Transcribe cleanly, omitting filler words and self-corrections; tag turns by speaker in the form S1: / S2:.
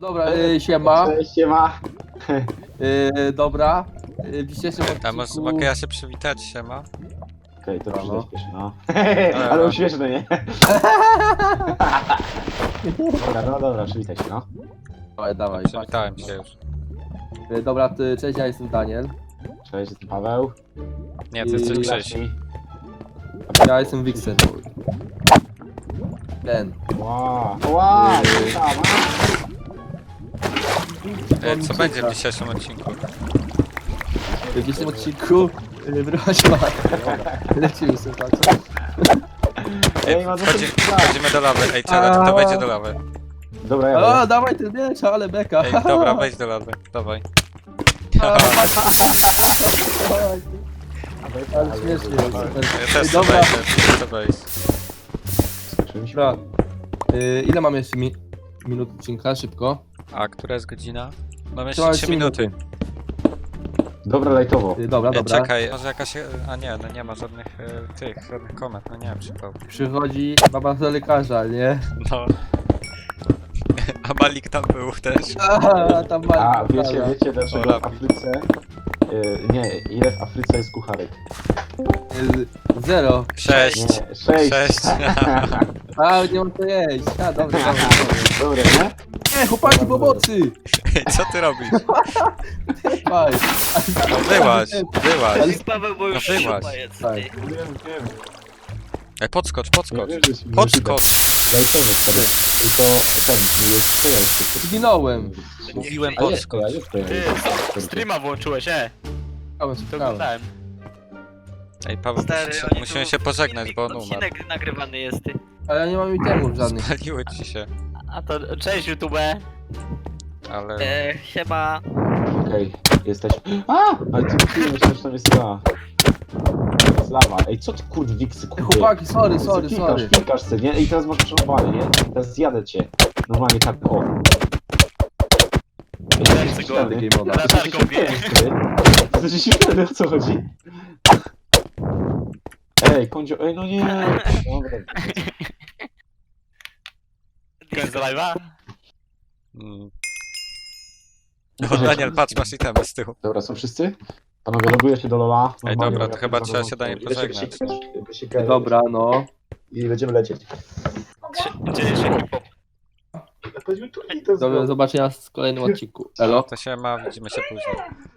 S1: Dobra, siema.
S2: Cześć, siema.
S1: Dobra. W dzisiejszym
S3: A
S1: odcinku...
S3: mogę ja się przywitać, siema?
S2: Okej, to
S1: Brawo.
S2: przyjdź pierwszy, no. Ale uśmieszne, nie? Dobra, no dobra, przywitaj się, no.
S1: Dawaj, dawaj.
S3: Przywitałem się już.
S1: Dobra, cześć, ja jestem Daniel.
S2: Cześć, jestem Paweł.
S3: Nie, to jest
S1: I-
S3: Cześć.
S2: Zacznij.
S1: Ja jestem Wixen. Ten.
S2: Wow,
S3: Co będzie w dzisiejszym odcinku?
S1: W dzisiejszym odcinku... Wyrywać ma. Lecimy sobie, tak?
S2: Ej, ma
S3: Wchodzimy do lawy. Ej, czele, to wejdzie do lawy.
S2: Dobra, ja
S1: O,
S2: będę.
S1: dawaj ten miecz, ale beka.
S3: Ej, dobra, wejdź do lawy. Dawaj.
S1: Dawaj. Ale śmiesznie jest.
S3: Ja też chcę
S1: Dobra.
S3: wejść, ja chcę wejść.
S1: Dobra. Ile mam jeszcze minut odcinka? Szybko.
S3: A która jest godzina? Mam
S1: Trzeba
S3: jeszcze 3 minuty.
S2: Dobra, lajtowo.
S1: Dobra, dobra.
S3: Czekaj, może jakaś... A nie, no nie ma żadnych żadnych komend, no nie wiem, przypał.
S1: Przychodzi baba do lekarza, nie?
S3: No. A Malik tam był też.
S1: A tam ma.
S2: A wiecie dlaczego
S3: Ola.
S2: w Afryce... nie, ile w Afryce jest kucharek?
S1: 0.
S3: 6.
S2: Nie, 6.
S3: 6.
S1: A, nie mam co jeść. A, dobra, dobra.
S2: Dobra, nie?
S1: Nie, chłopaki, pomocy!
S3: Ej, co ty robisz?
S1: Faj.
S3: No wyłaź, wyłaź.
S1: Ale-
S4: Paweł, bo już
S3: No wyłaź.
S4: szupa jest.
S1: Tak.
S4: ty.
S2: Wiem.
S3: Ej, podskocz, podskocz.
S2: Nie wierzysz mi,
S3: Podskocz.
S2: Lajtowo wtedy. Tylko ten, jest przejazd.
S1: Zginąłem.
S3: Mówiłem
S2: A jest,
S3: podskocz.
S2: a jest to
S4: Ty, streama włączyłeś,
S1: Szukałem,
S4: to
S1: szukałem.
S4: oglądałem.
S3: Ej, Paweł,
S4: Stary, oni
S3: musimy
S4: tu-
S3: się pożegnać, bo on umarł.
S4: Odcinek nagrywany jest, ty.
S1: Ale ja nie mam itemów żadnych.
S3: Spaliły ci się,
S4: A to cześć YouTube.
S3: ale...
S4: Siema.
S2: Okej, jesteś... Ale ty myślałem, że tam jest lawa. Jest lawa. Ej, co ty kurde wiksy kurde?
S1: Chłopaki, sorry.
S2: Klikasz se, nie? I teraz masz przerwane, nie? Teraz zjadę cię. Normalnie tak, o.
S4: Lecę go.
S1: Game moda.
S4: Latarką bije.
S2: To znaczy się wtedy, o co chodzi? Ej, kondzio... Ej, no nie. Dobra.
S4: Koniec live'a?
S3: Mm. O, Daniel, patrz, masz itemy z tyłu.
S2: Dobra, są wszyscy? Panowie, loguję się do Lola.
S3: Ej,
S2: Normalnie
S3: dobra, to
S2: ja
S3: chyba
S2: tu
S3: trzeba się
S2: zarządzam.
S3: do niej pożegnać.
S1: Dobra, no.
S2: I będziemy lecieć.
S4: Dzieje się hip-hop.
S2: Powiedzmy tu i to
S1: Do zobaczenia w kolejnym odcinku. Elo.
S3: To się ma, widzimy się później.